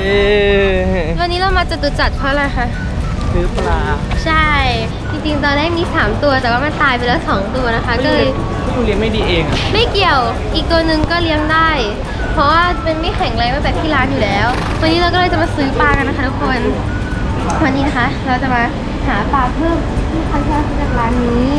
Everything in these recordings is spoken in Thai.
วันนี้เรามาจตุจักรเพราะอะไรคะซื้อปลาใช่จริงๆตอนแรกมี3ตัวแต่ว่ามันตายไปแล้ว2ตัวนะคะก็เลยผู้เลี้ยงไม่ดีเองอ่ะไม่เกี่ยวอีกตัวหนึ่งก็เลี้ยงได้ เพราะว่ามันไม่แข็งแรงตั้งแต่ที่ร้านอยู่แล้ววันนี้เราก็เลยจะมาซื้อปลากันนะคะทุกคนวันนี้นะคะเราจะมาหาปลาเพิ่มที่เขาชอบจากร้านนี้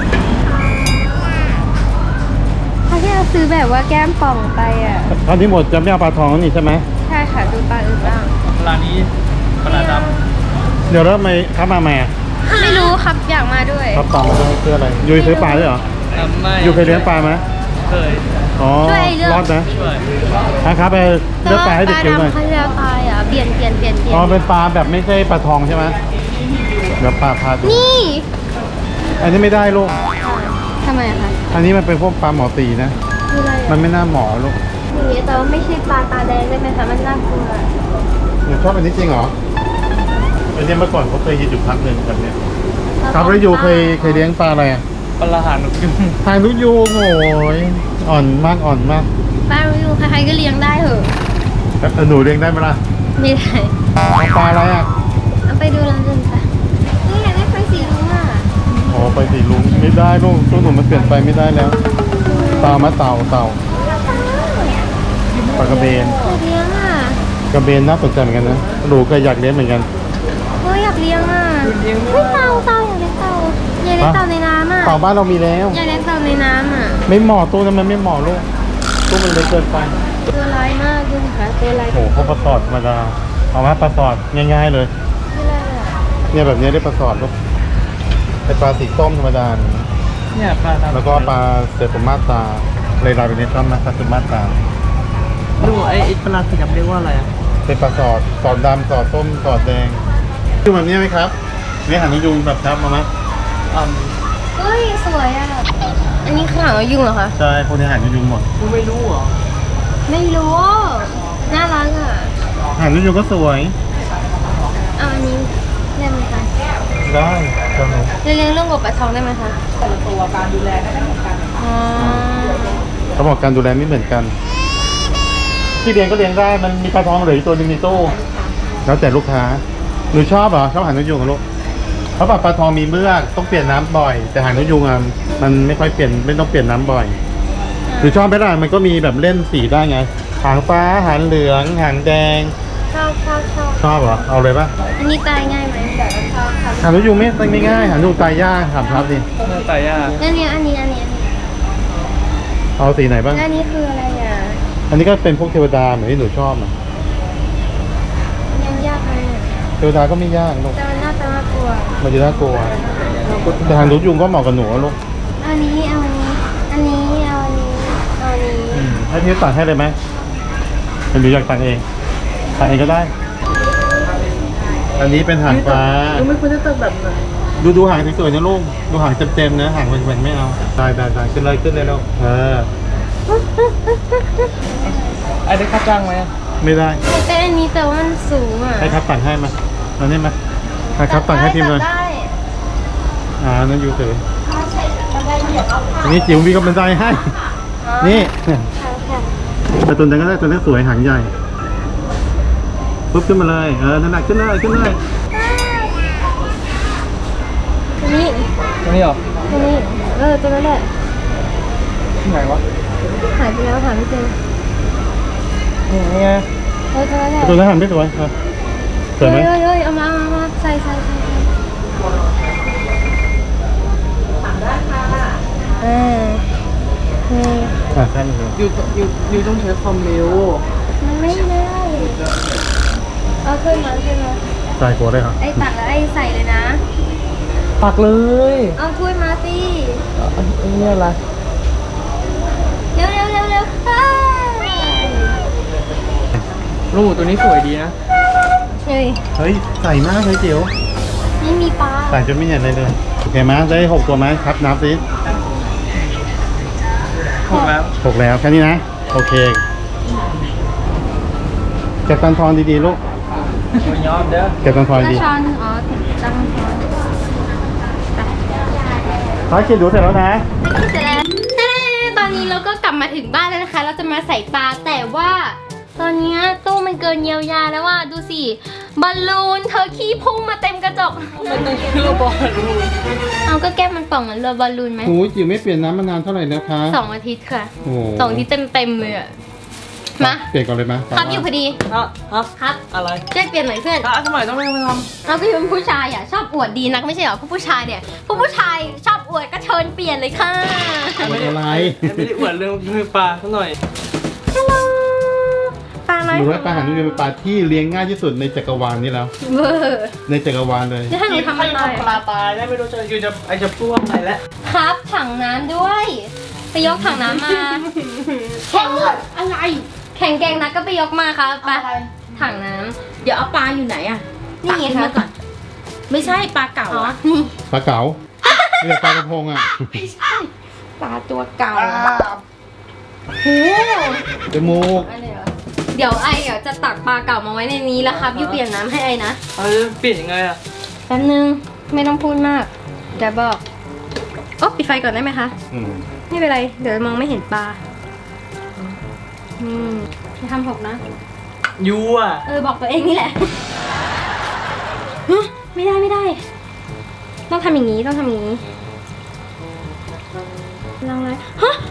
เขาที่เราซื้อแบบว่าแก้มป่องไปอ่ะตอนนี้หมดจะไม่เอาปลาทองแล้วนี่ใช่ไหมใช่ค่ะดูปลาอื่นบ้างปลานี้ปลาดำเดี๋ยวแล้วทำไมครับมาใหม่ไม่รู้ครับอยากมาด้วยครับต่อมาด้วยเพื่ออะไรยูซื้อปลาด้วยเหรอไม่ยูเคยเลี้ยงปลาไหมเคยอ๋อรอดนะนะครับไปเลือกปลาให้เด็กกินหน่อยเขาจะตายอ่ะเปลี่ยนอ๋อเป็นปลาแบบไม่ใช่ปลาทองใช่ไหมเดี๋ยวปลาพาดูนี่อันนี้ไม่ได้ลูกทำไมคะอันนี้มันเป็นพวกปลาหมอตีนะมันไม่น่าหมอลูกนี่แต่ว่าไม่ใช่ปลาตาแดงได้ไหมคะมันน่ากลัวหนูชอบอันนี้จริงเหรออันนี้เมื่อก่อนเขาเคยยืนอยู่พักหนึ่งแบบนี้ครับแล้วยูเคยเลี้ยงปลาอะไรอ่ะปลาหางนกยูงหางนกยูงโอ้ยอ่อนมากปลานกยูงใครๆก็เลี้ยงได้เหรอหนูเลี้ยงได้ไหมล่ะไม่ได้ปลาอะไรอ่ะเอาไปดูร้านอื่นไปนี่อยากได้ไฟสีรุ้งอ่ะอ๋อไฟสีรุ้งไม่ได้ลูกตัวหนูมันเปลี่ยนไปไม่ได้แล้วเต่าปลากระเบนเลี้ยงอ่ะกระเบนน่าสนใจเหมือนกันนะหนูก็อยากเลี้ยงเหมือนกันอยากเลี้ยงอ่ะไม่เต่าอยากเลี้ยงเต่าในน้ำอ่ะเต่าบ้านเรามีแล้วอยากเลี้ยงเต่าในน้ำอ่ะไม่เหมาะตู้นั้นมันไม่เหมาะลูกตู้มันเล็กเกินไปตัวร้ายมากดูนะคะตัวร้ายโอ้เขาปลาสอดธรรมดาเอามาปลาสอดง่ายๆเลยเนี่ยแบบนี้ได้ปลาสอดลูกเป็นปลาสีส้มธรรมดาเนี่ยปลาแล้วก็ปลาเซอร์ฟมาตาเลยลายเป็นเนตรัมนะปลาเซอร์มาตาดูไอ้ปลาสีดำเรียกว่าอะไรอ่ะเป็นปลาสอดดำสอดส้มสอดแดงดูแบบนี้ไหมครับนี่หางนกยูงแบบครับมาไหมเฮ้ยสวยอ่ะอันนี้คือหางนกยูงเหรอคะใช่พวกนี้หางนกยูงหมดกูไม่รู้เหรอไม่รู้น่ารักอ่ะหางนกยูงก็สวยเอาอันนี้ได้ไหมคะได้ครับเลี้ยงเรื่องกบปลาทองได้ไหมคะแต่ละตัวการดูแลไม่เหมือนกันเขาบอกการดูแลไม่เหมือนกันที่เลี้ยงก็เลี้ยงได้มันมีปลาทองเหลืออีกตัวนึงในตู้แล้วแต่ลูกค้าหนูชอบเหรอชอบหางนกยูงกับลูกเพราะปลาทองมีเมือกต้องเปลี่ยนน้ำบ่อยแต่หางนกยูงมันไม่ค่อยเปลี่ยนไม่ต้องเปลี่ยนน้ำบ่อยหรือชอบไหมล่ะมันก็มีแบบเล่นสีได้ไงหางฟ้าหางเหลืองหางแดงชอบเหรอเอาเลยป่ะอันนี้ตายง่ายไหมหางนกยูงไม่ง่ายหางนกยูงตายยากถามครับดิตายยากอันนี้เอาสีไหนบ้างอันนี้คืออะไรอ่ะอันนี้ก็เป็นพวกเทวดาเหมือนที่หนูชอบอ่ะยังยากไหมเทวดาก็ไม่ยากลูกแต่มันน่ากลัวมันจะน่ากลัวแต่หางนกยูงก็เหมาะกับหนูลูกอันนี้ให้พี่ตัดให้เลยไหมหรืออยากตัดเองก็ได้อันนี้เป็นหางฟ้าไม่ควรจะตัดแบบไหนดูหางสวยๆนะลูกดูหางเต็มๆนะหางแหว่งๆไม่เอาได้ขึ้นเลยลูกไอ้ได้ค่าจ้างไหมไม่ได้แต่อันนี้แต่ว่ามันสูงอ่ะให้ครับตัดให้มาเอานี่มาให้ครับตัดให้พิมพ์เลยนั่นยูเฉยอันนี้จิ๋วมีกำลังใจให้นี่แต่ตัวนั้นก็ได้ตัวนี้สวยหางใหญ่ปุ๊บขึ้นมาเลยนั่นแหละขึ้นเลยตัวนี้เหรอตัวนี้ตัวนั้นแหละที่ไหนวะหายไปแล้วหาไม่เจอนี่ไงตัวนั้นหันไม่สวยสวยไหมเอามาใส่ถามได้ค่ะใช่เลยอยู่ต้องใช้ความเร็วมันไม่ได้เอาขึ้นมาใส่หัวได้ครับไอ้ตักแล้วไอ้ใส่เลยนะตักเลยเอาถ้วยมาสินี่อะไรเร็วลูกตัวนี้สวยดีนะเฮ้ยใส่มากเลยจิ๋วไม่มีปลาใส่จนไม่เห็นเลยโอเคไหมได้6ตัวไหมครับนับสิ 6 แล้วแค่นี้นะโอเคเก็บตังทองดีๆลูกยอมเด้อเก็บตังทองดีช้อนตังทองท้ายคิดดูเสร็จแล้วนะเสร็จแล้วตอนนี้เราก็กลับมาถึงบ้านแล้วนะคะเราจะมาใส่ปลาแต่ว่าตอนเนี้ยตู้มันเกินเยียวยาแล้วว่าดูสิบอลลูนเธอขี้พุ่งมาเต็มกระจกมันต้องชื่อบอลลูนเอาก็แก้มมันป่องเหมือนเรือบอลลูนไหมโอ้ยจิ๋วไม่เปลี่ยนน้ำมานานเท่าไหร่แล้วคะ 2 อาทิตย์ค่ะโอ้โห 2 อาทิตย์เต็มเลยอะมาเปลี่ยนก่อนเลยไหมครับอยู่พอดีฮะครับอะไรช่วยเปลี่ยนหน่อยเพื่อนทำไมต้องไม่มาทเราก็เป็นผู้ชายอ่ะชอบอวดดีนักไม่ใช่เหรอผู้ชายเนี่ยผู้ชายชอบอวดก็เชิญเปลี่ยนเลยค่ะทำอะไรำไม่ได้อวดเรื่องมือปลาสักหน่อยฮัลโหลปลาน้อยดูว่าปลาหางนกยูงเป็นปลาที่เลี้ยงง่ายที่สุดในจักรวาลนี้แล้วเบอร์ในจักรวาลเลยจะให้หนูทำอะไรปลาตายได้ไม่รู้จะคือจะพูดว่าอะไรแล้วครับถังน้ำด้วยไปยกถังน้ำมาแข่งอะไรแข่งแกงนักก็ไปยกมาครับไปถังน้ำเดี๋ยวเอาปลาอยู่ไหนอะนี่ไงตักขึ้คะมาก่อน ไม่ใช่ปลาเก่าอ๋ออะนี่ปลาเก๋าเรียกปลากระพงอ่ะปลาตัวเก่าโหจมูกอะไรเหรอเดี๋ยวไอจะตักปลาเก่ามาไว้ในนี้แล้วครับยูเปลี่ยนน้ำให้ไอนะเปลี่ยนยังไงอ่ะแป๊บนึงไม่ต้องพูดมากเดี๋ยวบอกโอ๊ะปิดไฟก่อนได้ไหมคะอืมไม่เป็นไรเดี๋ยวมองไม่เห็นปลาอย่าทำหกนะยูอ่ะบอกตัวเองนี่แหละฮะไม่ได้ต้องทำอย่างนี้ต้องทำอย่างนี้ลองเลยฮะ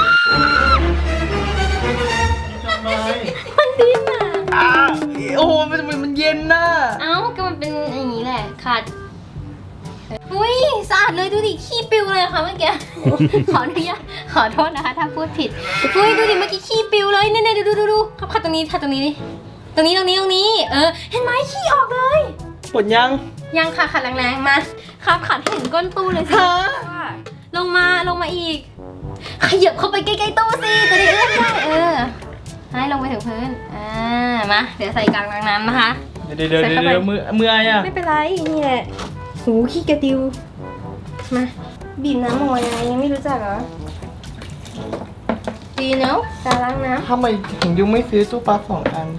ทำไมมันดิ้นอ่ะโอ้โหมันเย็นน่ะเอ้าก็มันเป็นอย่างนี้แหละขาดอุ้ยสะอาดเลยดูดิขี้ปิวเลยค่ะเมื่อกี้ ขออนุญาตขอโทษนะคะถ้าพูดผิดอุ้ยดูดิเมื่อกี้ขี้ปิวเลยเนี่ยดูครับขัดตรงนี้ขัดตรงนี้ดิตรงนี้เห็นไหมขี้ออกเลยปวดยังยังค่ะขัดแรงๆมาครับขัดให้เห็นก้นตู้เลยสิฮะลงมาอีกขยับเข้าไปใกล้ๆตู้สิจะได้เอื้อมได้ให้ลงไปถึงพื้นมาเดี๋ยวใส่กลางน้ำนะคะเดี๋ยวมือไอ้อ่ะไม่เป็นไรนี่แหละหูขี้กระติวมาบีบน้ำออกมายังไงยังไม่รู้จักเหรอดีเนาะการล้างน้ทำไมถึงยูไม่ซื้อตู้ปลา2 อัน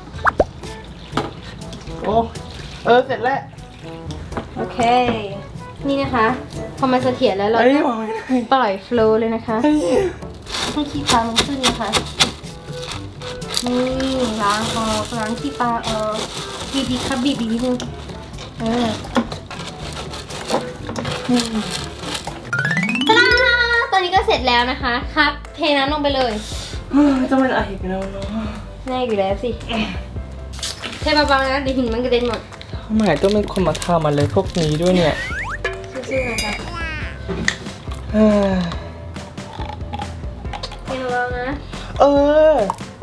โอ้เสร็จแล้วำโอเค นี่นะคะพอมันเสถียรแล้วเราเอ้ยก็มองไม่ได้ปล่อยโฟลว์เลยนะคะเฮ้ยให้ขี้ปลามันขึ้นนะคะนี่ล้างออกล้างขี้ปลาออกบีบครับบีบอีกนิดนึงตาดาตอนนี้ก็เสร็จแล้วนะคะครับเทน้ำลงไปเลยจะเป็นอะไรกันแล้วเนาะง่ายอยู่แล้วสิเทเบาๆนะเดี๋ยวหินมันกระเด็นหมดทำไมต้องเป็นคนมาทำอะไรพวกนี้ด้วยเนี่ยซื่อๆนะคะเออเทเบาๆนะเออ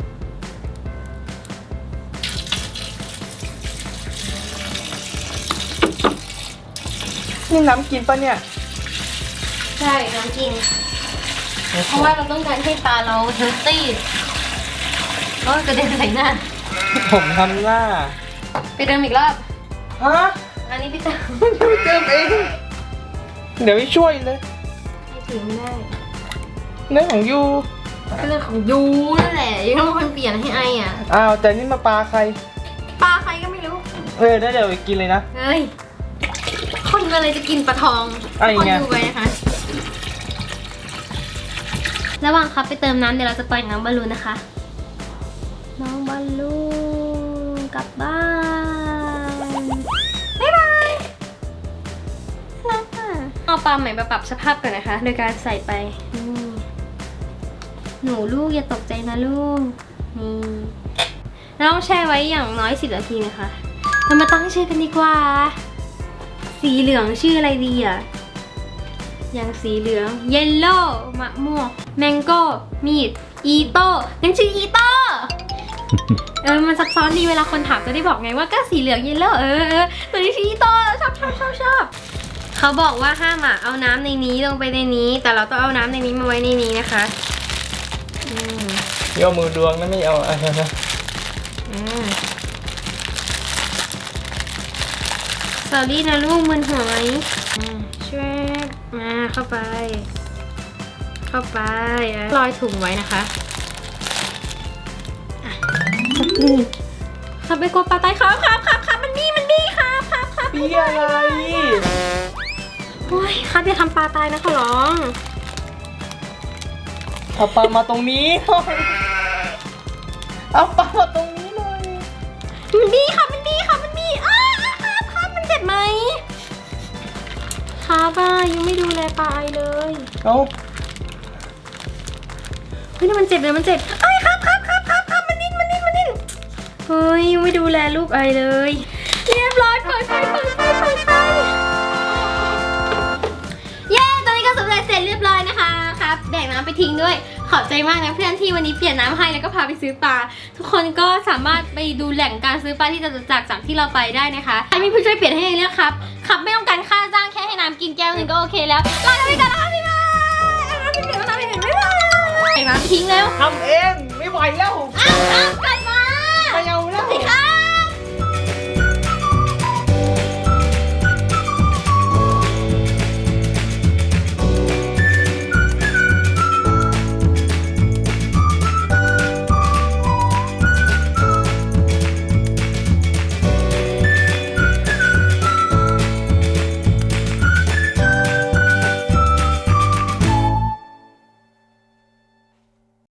นี่น้ำกินปะเนี่ยใช่น้ำกิน เพราะว่าเราต้องการให้ปลาเราเฮลตี้ก็กระเด็นใส่หน้าผมทำหน้าไปเดิมอีกรอบฮะอันนี้พี่ตายูเติมเอง เดี๋ยวพี่ช่วยเลยไม่ถือไม่ได้เรื่องของยูก็เรื่องของยูนั่นแหละยูต้องเป็นคนเปลี่ยนให้ไออ่ะอ้าวแต่นี่มาปลาใครปลาใครก็ไม่รู้ได้เดี๋ยวไปกินเลยนะเฮ้ยคนอะไรจะกินปลาทองอะไรคนเงี้ยดูไปนะคะระหว่างครับไปเติมน้ำเดี๋ยวเราจะปล่อยน้องบอลลูนนะคะ น้องบอลลูนกลับบ้านบ๊ายบายรักอ่ะเอาปลาใหม่มาปรับสภาพก่อนนะคะ โดยการใส่ไปนี่หนูลูกอย่าตกใจนะลูกนี่เราต้องแช่ไว้อย่างน้อย10 นาทีนะคะเรามาตั้งชื่อกันดีกว่า สีเหลืองชื่ออะไรดีอ่ะอย่างสีเหลืองเยลโล่มะม่วงแมงโก้มีดอีโต้ยังชื่ออีโต้ มันซับซ้อนดีเวลาคนถามจะได้บอกไงว่าก็สีเหลืองเยลโล่ตัวนี้ชื่ออีโต้ชอบเขาบอกว่าห้ามเอาน้ำในนี้ลงไปในนี้ แต่เราต้องเอาน้ำในนี้มาไว้ในนี้นะคะโยมือดวงนะไม่เอาอะไรนะสวัสดีนะลูกมึนหัวไหมช่วยมาเข้าไปลอยถุงไว้นะคะครับไปกดปลาไตครับมันบี้ครับปีอะไรโอ้ยครับอย่าทำปลาตายนะขอร้องเอาปลามาตรงนี้เอาปลามาตรงนี้เลยมันบี้ค่ะมันบี้ค่ะมันบี้ครับมันเจ็บไหมครับยังไม่ดูแลปลาไอเลยเอาเฮ้ยนี่มันเจ็บเลยมันเจ็บเอ้ยครับมันนิ่นเฮ้ยยังไม่ดูแลลูกไอเลยเรียบร้อยเปิดไฟเย้ตอนนี้ก็สำเร็จเสร็จเรียบร้อยนะคะครับแบ่งน้ำไปทิ้งด้วยขอบใจมากนะเพื่อนที่วันนี้เปลี่ยนน้ำให้แล้วก็พาไปซื้อปลาทุกคนก็สามารถไปดูแหล่งการซื้อปลาที่จตุจักรจากที่เราไปได้นะคะใครมีผู้ช่วยเปลี่ยนให้เลือกครับไม่ต้องการค่าจ้างแค่ให้น้ำกินแก้วหนึ่งก็โอเคแล้วลาไปก่อนนะคะบ๊ายบายน้ำไปเปลี่ยนบ๊ายบายใส่น้ำทิ้งแล้วทำเองไม่ไหวแล้วอ้าวกลับมาไม่เอาแล้วสิคะ